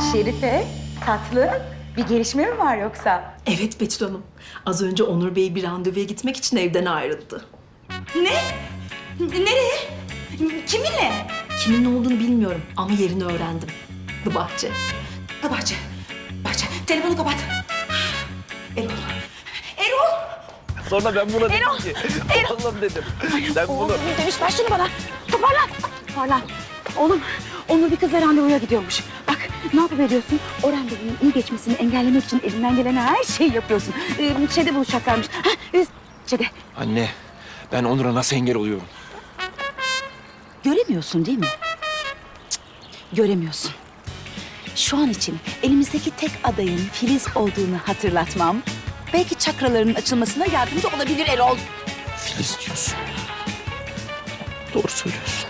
Şerife, tatlı bir gelişme mi var yoksa? Evet Betül Hanım. Az önce Onur Bey bir randevuya gitmek için evden ayrıldı. Ne? Nereye? Kiminle? Kimin olduğunu bilmiyorum ama yerini öğrendim. The Bahçe. Bahçe. Bahçe. Telefonu kapat. Erol. Erol. Sonra ben buna dedim ki, oğlum dedim. Sen bunu... Demiş ver şunu bana. Toparlan. Toparlan. Oğlum, Onur bir kızla randevuya gidiyormuş. Bak, ne yapıp ediyorsun? O randevunun iyi geçmesini engellemek için elinden gelen her şeyi yapıyorsun. Şeyde buluşacaklarmış. Şeyde. Anne, ben Onur'a nasıl engel oluyorum? Göremiyorsun değil mi? Cık, göremiyorsun. Şu an için elimizdeki tek adayın Filiz olduğunu hatırlatmam belki çakralarının açılmasına yardımcı olabilir Erol. Filiz diyorsun. Doğru söylüyorsun.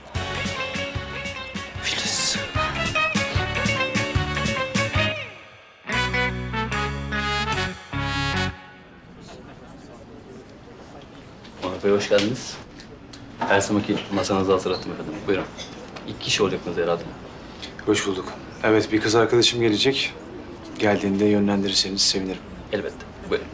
Filiz. Onur Bey hoş geldiniz. Her zamanki masanızı hazırlattım efendim. Buyurun. 2 kişi olacaksınız herhalde. Hoş bulduk. Evet, bir kız arkadaşım gelecek. Geldiğinde yönlendirirseniz sevinirim. Elbette. Buyurun.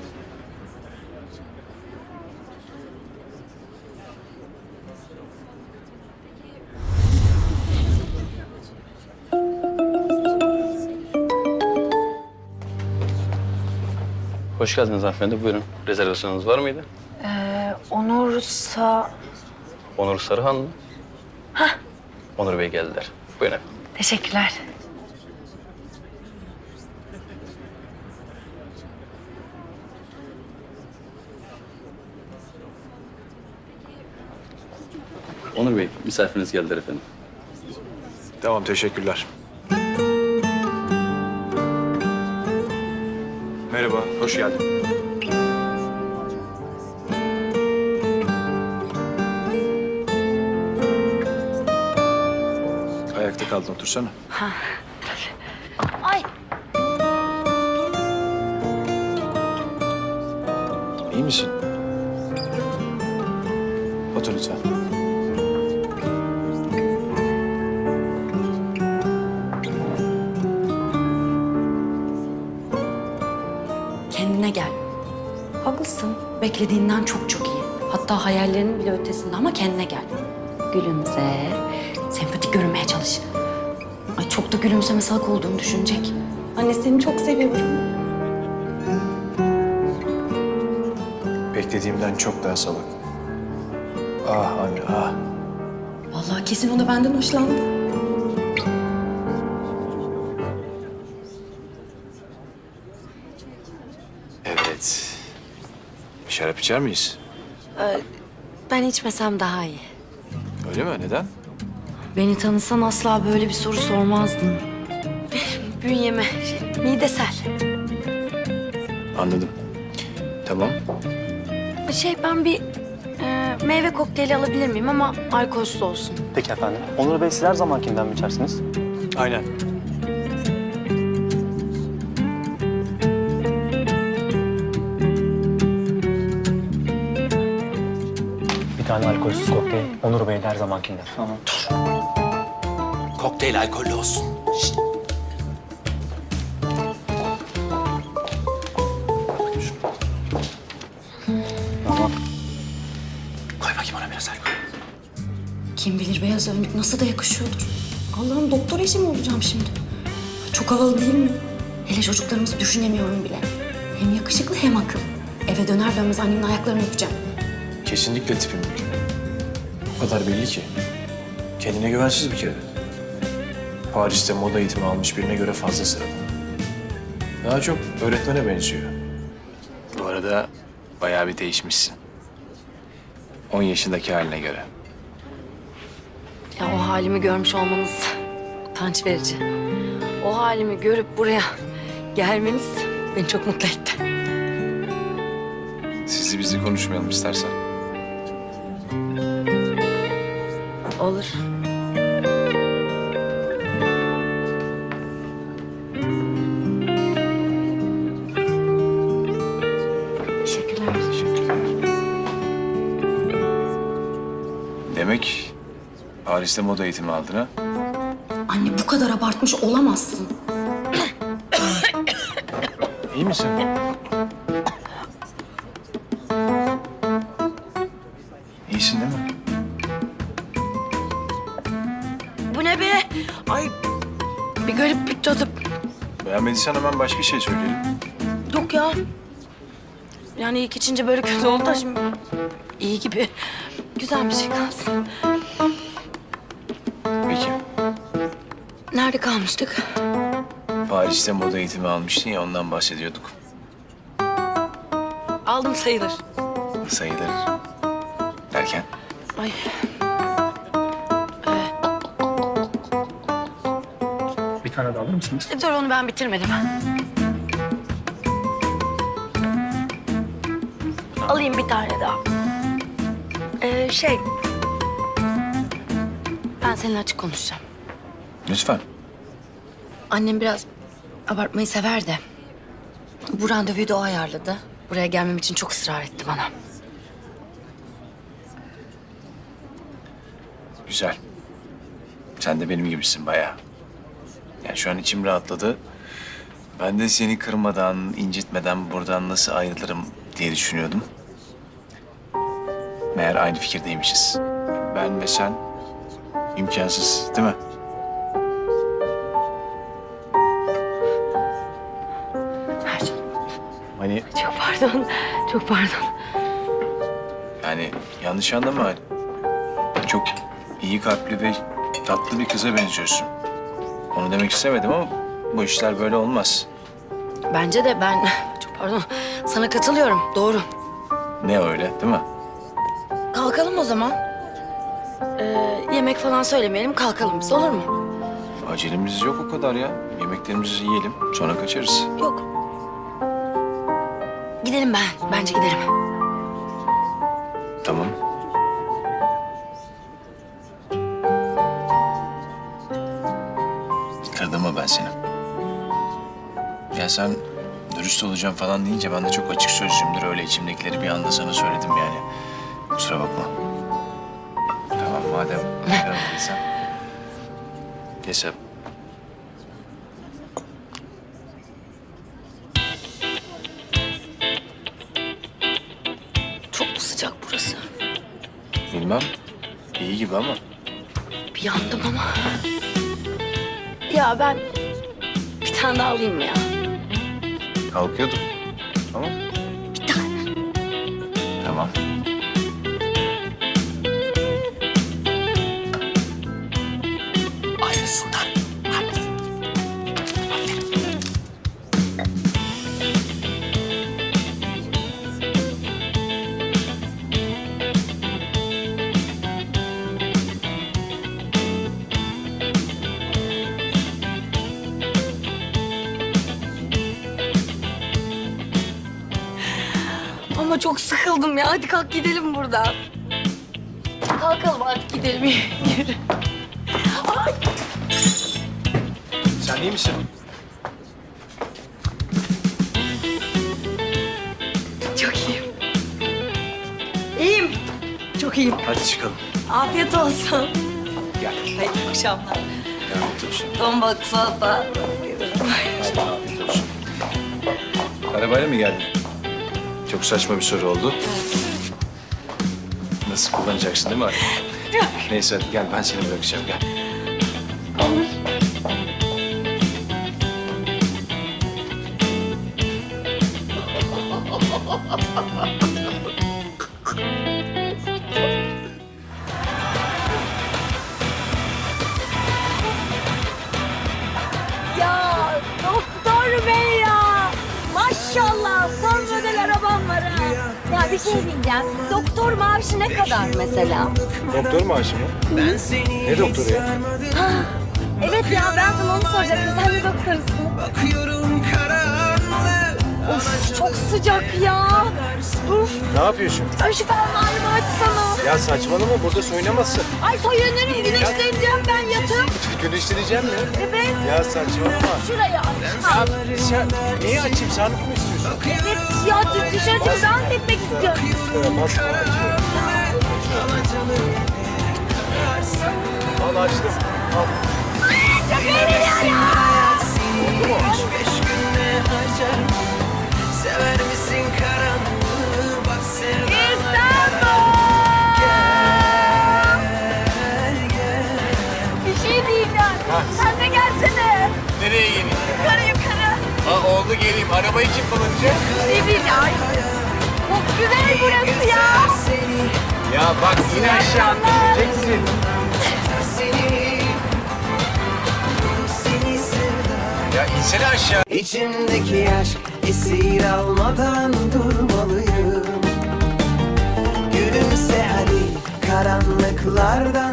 Hoş geldiniz hanımefendi. Buyurun. Rezervasyonunuz var mıydı? Onursa... Onur Sarıhan mı? Hah. Onur Bey geldiler. Buyurun efendim. Teşekkürler. Onur Bey, misafiriniz geldiler efendim. Tamam, teşekkürler. Merhaba, hoş geldin. Ayakta kaldın, otursana. Ay. İyi misin? Otur lütfen. Kendine gel. Haklısın. Beklediğinden çok çok iyi. Hatta hayallerinin bile ötesinde ama kendine gel. Gülümse, sempatik görünmeye çalış. Ay çok da gülümseme salak olduğunu düşünecek. Anne seni çok seviyorum. Beklediğimden çok daha salak. Ah anne, ah. Vallahi kesin o da benden hoşlandı. Evet. Bir şarap içer miyiz? Ben içmesem daha iyi. Öyle mi? Neden? Beni tanısan asla böyle bir soru sormazdın. Bünyeme, midesel. Anladım. Tamam. Ben bir meyve kokteyli alabilir miyim ama alkolsüz olsun. Peki efendim. Onur Bey siz her zamankinden mi içersiniz? Aynen. Bir tane alkolsüz kokteyl. Onur Bey de her zamankinden. Tamam. Kokteyl alkollü olsun. Şişt. Tamam. Koy bakayım ona biraz alkol. Kim bilir beyaz önlük nasıl da yakışıyordur. Allah'ım doktor eşi mi olacağım şimdi? Çok havalı değil mi? Hele çocuklarımızı düşünemiyorum bile. Hem yakışıklı hem akıllı. Eve döner dönmez annemin ayaklarını öpeceğim. Kesinlikle tipim değil. O kadar belli ki. Kendine güvensiz bir kere. Paris'te moda eğitimi almış birine göre fazla sıradan. Daha çok öğretmene benziyor. Bu arada bayağı bir değişmişsin. 10 yaşındaki haline göre. Ya o halimi görmüş olmanız utanç verici. O halimi görüp buraya gelmeniz beni çok mutlu etti. Sizi bizi konuşmayalım istersen. Olur. Teşekkürler. Teşekkürler. Demek Paris'te moda eğitimi aldın ha? Anne bu kadar abartmış olamazsın. İyi misin? İyisin değil mi? Bu ne be? Ay bir garip bir tadı. Beğenmediysen hemen başka şey söyleyelim. Yok ya. Yani ilk içince böyle kötü oldu da şimdi iyi gibi. Güzel bir şey kalsın. Peki. Nerede kalmıştık? Paris'te moda eğitimi almıştın ya, ondan bahsediyorduk. Aldım sayılır. Sayılır. Derken? Ay. Bir tane daha alır mısınız? Dur onu ben bitirmedim. Alayım bir tane daha. Ben seninle açık konuşacağım. Lütfen. Annem biraz abartmayı sever de. Bu randevuyu da o ayarladı. Buraya gelmem için çok ısrar etti bana. Güzel. Sen de benim gibisin bayağı. Yani şu an içim rahatladı. Ben de seni kırmadan, incitmeden buradan nasıl ayrılırım diye düşünüyordum. Meğer aynı fikirdeymişiz. Ben ve sen imkansız, değil mi? Mercan, Hani çok pardon. Çok pardon. yani yanlış anlama. Çok iyi kalpli ve tatlı bir kıza benziyorsun. Onu demek istemedim ama bu işler böyle olmaz. Bence de ben çok pardon. Sana katılıyorum. Doğru. Ne öyle, değil mi? Kalkalım o zaman. Yemek falan söylemeyelim. Kalkalım biz. Olur mu? Acelemiz yok o kadar ya. Yemeklerimizi yiyelim, sonra kaçarız. Yok. Gidelim ben. Bence gidelim. Tamam. Kırdım mı ben seni? Ya sen dürüst olacağım falan deyince ben de çok açık sözlüyümdür. Öyle içimdekileri bir anda sana söyledim yani. Kusura bakma. Tamam madem kırmadıysan. Neyse. Çok mu sıcak burası? Bilmem. İyi gibi ama. Bir yandım ama. Ya ben bir tane daha alayım mı ya? Kalkıyordum. Tamam. Bir tane. Tamam. Aynısından. Ama çok sıkıldım ya. Hadi kalk gidelim buradan. Kalkalım hadi gidelim. Yürü. Ay. Sen iyi misin? Çok iyiyim. İyiyim. Çok iyiyim. Hadi çıkalım. Afiyet olsun. Gel. Hayırlı akşamlar. Afiyet olsun. Ton balık salata. Afiyet olsun. Arabayla mı geldin? Çok saçma bir soru oldu. Nasıl kullanacaksın değil mi arabayı? Neyse hadi gel, ben seni bırakacağım, gel. Olur. Ya doktor bey ya. Maşallah son model arabam var ha. Ya bir şey diyeceğim. Doktor maaşı ne kadar mesela? Doktor maaşı mı? Ne doktoru ya? Evet ya ben sana onu soracaktım. Sen de doktorsun. Of çok sıcak ya. Uf. Ne yapıyorsun? Ay şu fermuarımı açsana. Ya saçmalama, burada soyunamazsın. Ay soyunurum güneşleneceğim ben yatıp. Güneşleneceğim mi? Evet. Ya saçmalama. Şuraya aç. Sen neyi açayım, sarılık mı istiyorsun? Evet ya dışarı çıkıp dans etmek istiyorum. Basma, açıyorum. Al açtım. Al. Çok eğleniyorum. Oldu mu? Sen de gelsene. Nereye geleyim? Yukarı yukarı. Oldu geleyim. Arabayı kim kullanacak? Ne bileyim. Çok güzel burası ya. Ya bak yine aşağı gideceksin. Ya insene aşağı. İçimdeki aşk esir almadan durmalıyım. Gülümse hadi karanlıklardan